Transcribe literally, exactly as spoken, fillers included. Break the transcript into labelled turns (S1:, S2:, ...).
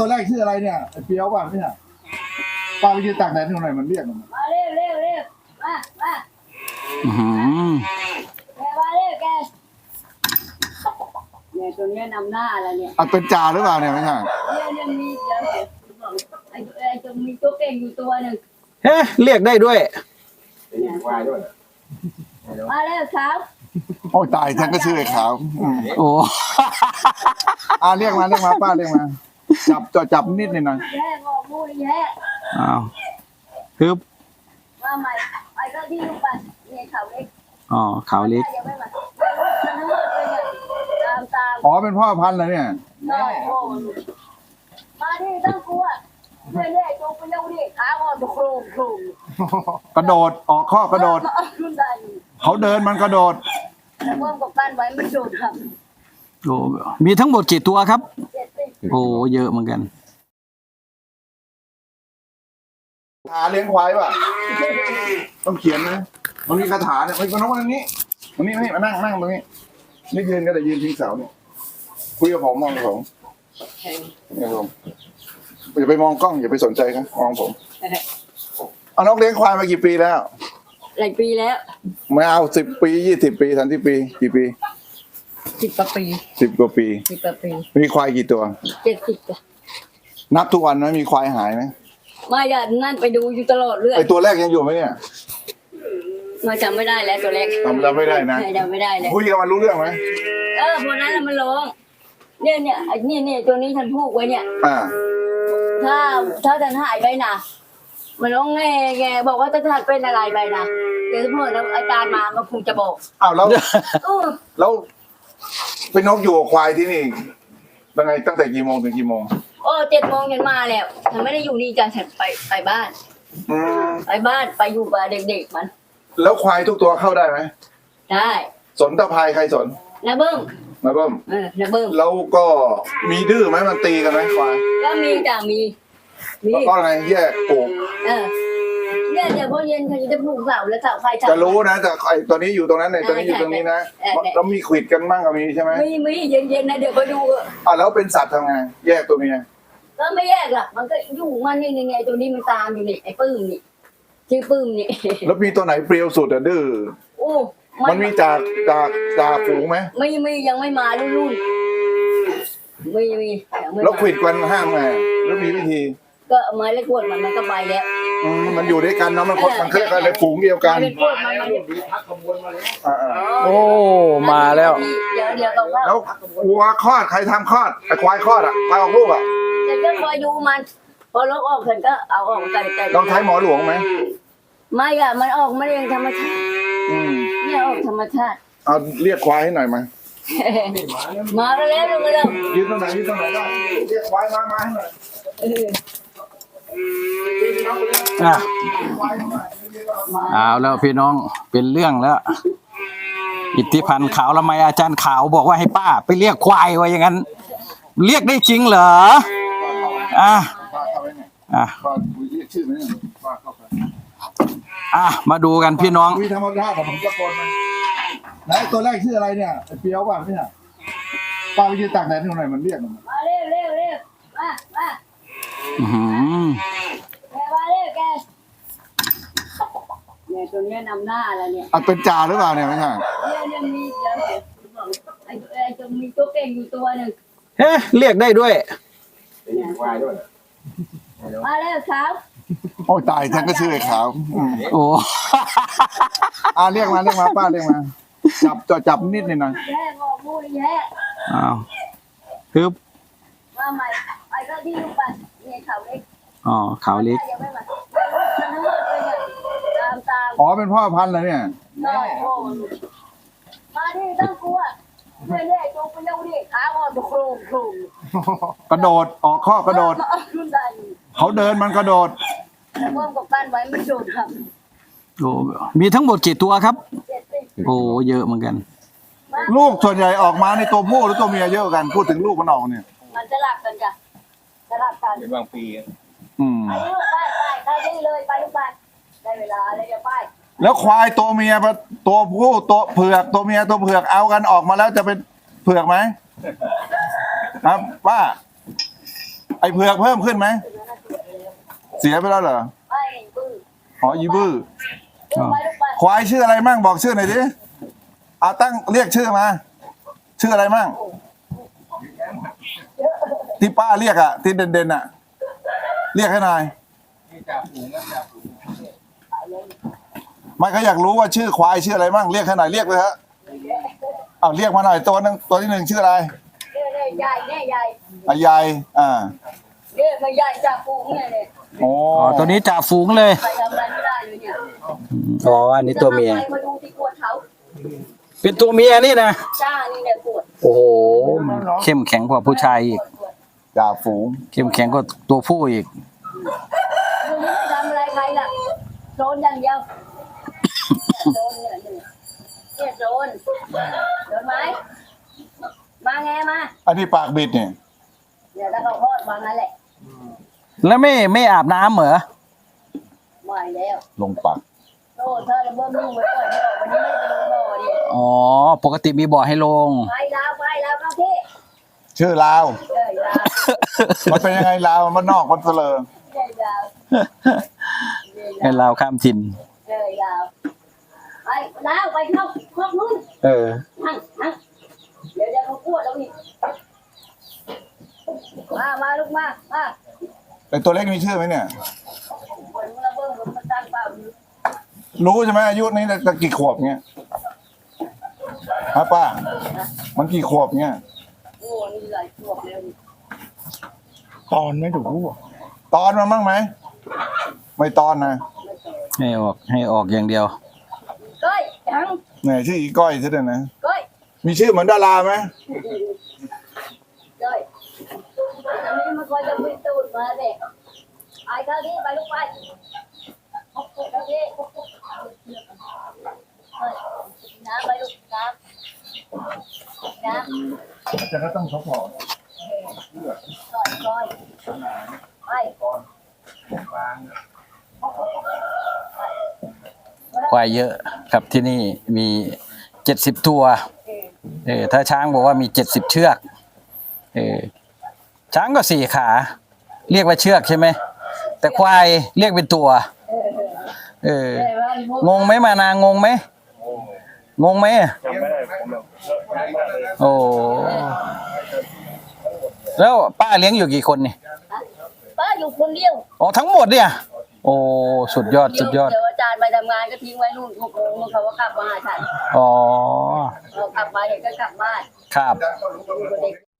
S1: ตัวแรกชื่ออะไรเนี่ยไอ้เปียวป่ะไม่ใช่ป้าไปยืนตากแดดที่ไหนมันเรียกมัน
S2: มาเร็วเร็วเร็วมามา
S3: อือหือ
S2: แกมาเร็วแกเนี่ยตัวเนี้ยนำหน้าแล้วเนี่ย
S1: อ่ะเป็นจ่าหรือเปล่าเนี่ยไม่ใช่
S2: เนี่ยเนี่ยมีเดี๋ยวไอ้ไอ้ตัวมีตัวเก่งอยู่ตัวหนึ่ง
S3: เฮ้เรียกได้ด้วย
S2: มาเร็วครับ
S1: โอ้ยตายฉันก็ชื่อไอ้ขาวอืม
S3: โอ้
S1: อ่ะเรียกมาเรียกมาป้าเรียกมาจับจับจับนิดหนึงหน่อย
S2: แย่บอกมูแย่
S3: อ้าวฮึบ
S2: มาใหม่ไอ้ก็ที่ลูกปัดเนี่ยเขาเล็ก
S3: อ๋อขาวเล็ก
S2: ยังไม่มาทั้งหมดเลยเนี่ยตามตาม
S1: อ๋อเป็นพ่อพันธุ์เหรอเนี่ย
S2: นอนโง่มาที่ต้องกลัวเรื่อยๆตัวไปเร็วดิขาอ่อนโครมโครม
S1: กระโดดออกข้อกระโดด
S2: ขึ้นได้
S1: เขาเดินมันกระโดด
S2: แต่เพิ่มกับการไว้มันโดดครับ
S3: โอ้มีทั้งหมดกี่ตัวครับ
S2: เจ็ดสิบ
S3: โอ้เยอะเหมือนกัน
S1: หาเลี้ยงควายป่ะต้องเขียนนะมันมีคาถาเนี่ยมันก็น้องวันนี้วันนี้มานั่งนั่งตรงนี้นี่ยืนก็แต่ยืนทิ้งเสาเนี่ยคุยกับผมมองกับผมเนี่ยผมอย่าไปมองกล้องอย่าไปสนใจครับมองผมเอาน้องเลี้ยงควายมากี่ปีแล้ว
S2: หลายปีแล้ว
S1: ไม่เอาสิบปียี่สิบปีสามสิบปีกี่ปี
S2: สิบกว่าปี
S1: สิบกว่าปี
S2: สิบกว่าปี
S1: มีควายกี่ตัว
S2: เจ็ดสิบจ้ะ
S1: นับทุกวันไหมมีควายหายไหม
S2: มาอย่านั่นไปดูอยู่ตลอดเรื่อย
S1: ไอตัวแรกยังอยู่ไหมเนี่ย
S2: มาจำไม่ได้แล้วตัวเล็ก
S1: จำจำไม่ได้นะ
S2: จำไม่ได้เลย
S1: คุยกับมันรู้เรื่องไหม
S2: เออพวกนั้นน่ะมันร้องเนี่ยเนี่ยไอ้เนี่ยเนี่ยตัวนี้ฉันพูดไว้เนี่ย
S1: อ่า
S2: ถ้าถ้าฉันหายไปนะมันร้องแง่แง่บอกว่าถ้าฉันเป็นอะไรไปนะเดี๋ยวพ่อแล้วอาจารย์มาก็คงจะบอก
S1: อ้าวแล้ว
S2: เออ
S1: แล้วเป็นนกอยู่กับควายที่นี่ยังไงตั้งแต่กี่โมงถึงกี่โมง
S2: โอ้เจ็ดโมงฉันมาแล้วฉันไม่ได้อยู่นี่จ้ะฉันไปไปบ้าน
S1: อืม
S2: ไปบ้านไปอยู่กับเด็กๆมัน
S1: แล้วควายทุกตัวเข้าได้ไหม
S2: ได้
S1: สนตะพายใครสน
S2: นะเบิ้ม
S1: นะเบิ้ม
S2: เออนะเบิ้ม
S1: แล้วก็มีดื้อไหมมันตีกันไหมควาย
S2: ก็มีจ้ะมีมี
S1: แล้วก็ไงแยกปลูก
S2: เออเนี่ยเดี๋ยวพอเย็นเขาจะปลูกเสาแล้วเสาไฟเสา
S1: จะรู้นะแต่ไอตัวนี้อยู่ตรงนั้นไอตัวนี้อยู่ตรงนี้นะ
S2: เออใช่
S1: แล้วมีขวิดกันบ้างก็มีใช่ไหม
S2: มีมีเย็นเย็นๆนะเดี๋ยวไปดู
S1: อ่ะแล้วเป็นสัตว์ทำไงแยกตัวเมีย
S2: ก็ไม่แยกหรอกมันก็อยู่มันนี่นี่ไงตัวนี้มันตามอยู่นี่ไอ้ปื้มนี่ชื่อปื้มนี่
S1: แล้วมีตัวไหนเปรี้ยวสุดอะดื้อ
S2: โอ้
S1: มันมีจากจากจากฝูงไหม
S2: ไม่มียังไม่มารุ่นรุ่นไม่มียังไม่
S1: แล้ว
S2: มา
S1: ขวิดกันห้ามไงแล้วมีวิธี
S2: ก็เอาไม้เล็กขวดมันมันก็ไปแล้ว
S1: อืมมันอยู่ด้วยกันเนาะมันคนมันเคลื่อนกันในฝูงเดียวกัน
S2: ไม้เล็กขวดมันมัน
S1: อ่า
S3: โอ้มาแล้ว
S2: เดี๋ยวเดี๋ยวก็
S1: ๆแล้ววัวคลอดใครทำคลอดไอ้ควายคลอดอ่ะควายออกลูกอ่ะ
S2: จะก็คอยดูมัน พอลกออกฉันก็เอาออกกันแต่
S1: ต้องใช้หมอหลวงไหม
S2: ไม่อะมันออกมาเองธรรมชาติ
S1: อืม
S2: เนี่ยออกธรรมชาติ
S1: เอาเรียกควายให้หน่อยมา
S2: มาก็แล้วลงมาแล้ว
S1: ยืนตรงไหนยืนตรงไหนได้เรียกควายมามาให้หน่อย
S2: เออ
S3: อ่ะ
S1: ควายให้หน่อย
S3: เอาแล้วพี่น้องเป็นเรื่องแล้ว อิทธิพันธ์ขาวละไมอาจารย์ขาวบอกว่าให้ป้า ไปเรียกควายไว้อย่างนั้น เรียกได้จริงเหรออ่ะ
S1: ป้าเข้าไปเนี่ย
S3: อ่ะ
S1: ป้าคุยเรียกชื่อไหมเนี่ยป้าเข้าไป
S3: อ่ะมาดูกันพี่น้อง
S1: คุยธรรมดาของผมตะโกนมันไหนตัวแรกชื่ออะไรเนี่ยไอ้เปียวป่ะไม่ใช่ป้าไปยืนตากแดดที่ไหนมันเรียกมัน
S2: มาเร็วเร็วเร็วมามา
S3: อือหือ
S2: แกมาเร็วแกเนี่ยตัวเนี้ยนำหน้าแล้วเนี่ย
S1: อ่ะเป็นจ่าหรือเปล่าเนี่ยไม่ใช่
S2: เนี่ยเนี่ยมีเดี๋ยวไอ้ไอ้ตัวมีตัวเก่งอยู่ตัวหนึ่ง
S3: เฮ้เรียกได้ด้วย
S2: มาเร็วครับ
S1: โอ้ยตายฉันก็ชื่อไอ้ขาวอืม
S3: โอ้
S1: อ่ะเรียกมาเรียกมาป้าเรียกมาจับจับจับนิดหนึงหน่อย
S2: แย่บอกมูแย่
S3: อ้าวฮึบ
S2: มาใหม่ไอ้ก็ที่ลูกปัดเนี่ยเขาเล็ก
S3: อ๋อขาวเล็ก
S2: ยังไม่มาทั้งหมดเลยเนี่ยตามตาม
S1: อ๋อเป็นพ่อพันธุ์เหรอเนี่ย
S2: นอนโง่มาที่ต้องกลัวเรื่อยๆตัวไปเร็วดิขาอ่อนโครมโครม
S1: กระโดดออกข้อกระโดด
S2: ขึ้นได้
S1: เขาเดินมันกระโดด
S2: แต่เพิ่มกับการไว้มันโดดครับ
S3: โอ้มีทั้งหมดกี่ตัวครับ
S2: เจ็ดสิบ
S3: โอ้เยอะเหมือนกัน
S1: ลูกส่วนใหญ่ออกมาในตัวผู้หรือตัวเมียเยอะกัน พูดถึงลูกมันออกเนี่ย
S2: มันจะหลับกันจ้ะจะหลับกัน
S4: เป็นบางปี
S1: อืม
S2: ไปลูกไปไปไปได้เลยไปลูกไปได้เวลาเลยจะไป
S1: แล้วควายตัวเมียปะตัวผู้ตัวเผือกตัวเมียตัวเผือกเอากันออกมาแล้วจะเป็นเผือกไหมครับป้าไอ้เผือกเพิ่มขึ้นไหมเสียไปแล้วเหรอ
S2: ไอ้บื้อ
S1: อ๋ออีบื้อ
S2: ลูกไปลูกไป
S1: ควายชื่ออะไรมั่งบอกชื่อหน่อยดิเอาตั้งเรียกชื่อมา ชื่ออะไรมั่งที่ป้าเรียกอะที่เด่นๆอะเรียกให้หน่อยไม่เขาอยากรู้ว่าชื่อควายชื่ออะไรมั่งเรียกให้หน่อยเรียกเลยฮะเอาเรียกมาหน่อยตัวหนึงตัวที่หนึ่งชื่ออะไร
S2: เนี่ยเนี่ยใหญ่เนี่ยใหญ่
S1: อายายอ่า
S2: เนี่ยมันใหญ่จากปูเนี่ยเนี่ย
S1: โอ้
S3: อ๋อตัวนี้จ่าฝูงเลย
S2: ใครทำอะไรไม่ได้เลยเนี่ย
S3: อ๋ออันนี้ตัวเมีย
S2: จะทำอะไรมาดูที่กวดเขา
S3: เป็นตัวเมียนี่นะ
S2: จ้านี่เนี่ยกวด
S3: โอ้โหเข้มแข็งกว่าผู้ชายอีก
S1: จ่าฝูง
S3: เข้มแข็งกว่าตัวผู้อีก
S2: มึงไม่ทำอะไรใครล่ะโดนอย่างเดียวโดนเนี่ยเนี่ยโดนโดนไหมมาไงมา
S1: อันนี้ปากบิดเนี่ย
S2: เดี๋ยวแล้วก็โคตรมางั้นแหละ
S3: แล้วไม่ไม่อาบน้ำเหรอ
S2: ไม่แล้ว
S1: ลงปาก
S2: โอ้เธอจะเบิ่มยุ่งไปก่อนเถอะวันนี้ไม่ได้ไปลงบ่อดิ
S3: อ๋อปกติมีบ่อให้ลง
S2: ไปแล้วไปแล้วครับพี่
S1: ชื่อลาว
S2: เอ้ยลาว
S1: มันเป็นยังไงลาวมันนอกมันเสลอ
S2: เอ้ยลาว
S3: ให้เราข้ามถิ่น
S2: เอ้ยลาวไปลาวไปเข้าครอบนู้น
S3: เออ
S2: นั่งนั่งเดี๋ยวเดี๋ยวเขาพูดแล้วอีกมามาลูกมามา
S1: ไอตัวเล็กมีชื่อไหมเนี่ย
S2: คนมึงระเบิดมันตั้งเปล่าอยู่
S1: รู้ใช่ไหมอายุนี้จะกี่ขวบเงี้ยฮะป้า มันกี่ขวบเงี้ย
S2: โอ้นี่หลายขวบแล้วนี่
S1: ตอนไม่ถูกรู้ตอนมันบ้างไหมไม่ตอนนะ
S3: ให้ออกให้ออกอย่างเดียว
S2: ก้อยจัง
S1: เนี่ยชื่ออีก้อยซะด้วยนะ
S2: ก้อย
S1: มีชื่อเหมือนดาราไหม
S2: ก้อยอันนี้มันคอยจะวิ่งตูดมาเด็กไอ้ข้าวที่ไปลูกไปข้าวที่น้ำไปลูกน้ำน้ำ
S1: จะก็ต้องทบทวน
S2: ก้อยก้อยไป
S3: ควายเยอะครับที่นี่มีเจ็ดสิบตัว เออถ้าช้างบอกว่ามีเจ็ดสิบเชือก เออช้างก็สี่ขา เรียกว่าเชือกใช่ไหม แต่ควายเรียกเป็นตัว เออ งงไหมมานางงไหม งงไหมโอ้ แล้วป้าเลี้ยงอยู่กี่คนนี่
S2: ป้าอยู่คนเดียว
S3: อ๋อทั้งหมดเนี่ย โอ้สุดยอดสุดยอด
S2: เดี๋ยวอาจารย์ไปทำงานก็ทิ้งไว้นู่นหกโมงเขาก็กลับมาหาฉัน
S3: อ๋อ
S2: เรากลับมาเห็นก็กลับบ้าน
S3: ครับ
S2: อยู่กับเด็ก